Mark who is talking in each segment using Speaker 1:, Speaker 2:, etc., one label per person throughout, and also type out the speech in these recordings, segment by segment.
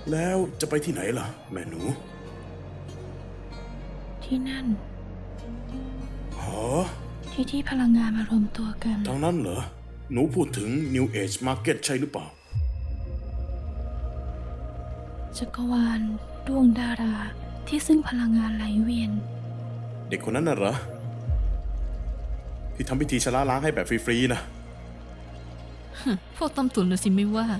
Speaker 1: แล้วจะไปที่ไหนล่ะแม่หนู
Speaker 2: ที่นั่น
Speaker 1: หอ
Speaker 2: ที่พลังงานมารวมตัวกัน
Speaker 1: ทางนั้นเหรอหนูพูดถึง New Age Market ใช่หรือเปล่า
Speaker 2: จักรวาลดวงดาราที่ซึ่งพลังงานไหลเวียน
Speaker 1: เด็กคนนั้นน่ะเหรอที่ทำพิธีชะล้างให้แบบฟรีๆนะ
Speaker 2: พวกต้มตุ๋นน่ะสิไม่ว่า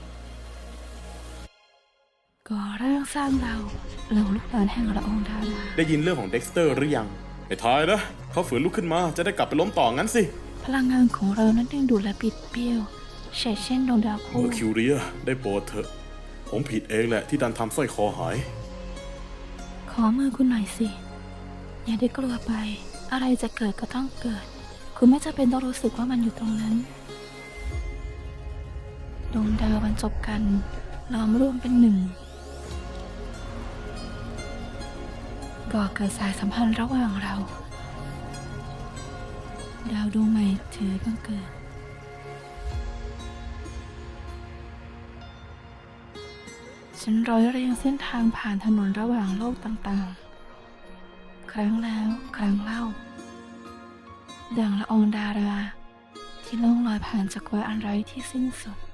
Speaker 2: ก่อร่างสร้างเราลูกหลานแห่งละอองดารา
Speaker 1: ได้ยินเรื่องของเด็กสเตอร์หรือยังไอ้ทายนะเขาฝืนลุกขึ้นมาจะได้กลับไปล้มต่องั้นสิ
Speaker 2: พลังงานของเรานั้นดึงดูดและปิดเบี้ยวเช่นดวงดาวคู่
Speaker 1: เมอร์คิวเรียได้โปรดเถอะผมผิดเองแหละที่ดันทำสร้อยคอหาย
Speaker 2: ขอมือคุณหน่อยสิอย่าได้กลัวไปอะไรจะเกิดก็ต้องเกิดคุณไม่จำเป็นต้องรู้สึกว่ามันอยู่ตรงนั้นดวงดาวบรรจบกันล้อมรวมเป็นหนึ่งก่อเกิดสายสัมพันธ์ระหว่างเราดาวดวงใหม่ถือบังเกิดฉันร้อยเรียงเส้นทางผ่านถนนระหว่างโลกต่างๆครั้งแล้วครั้งเล่าดังละอองดาราที่ล่องลอยผ่านจักรวาลอันไร้ที่สิ้นสุด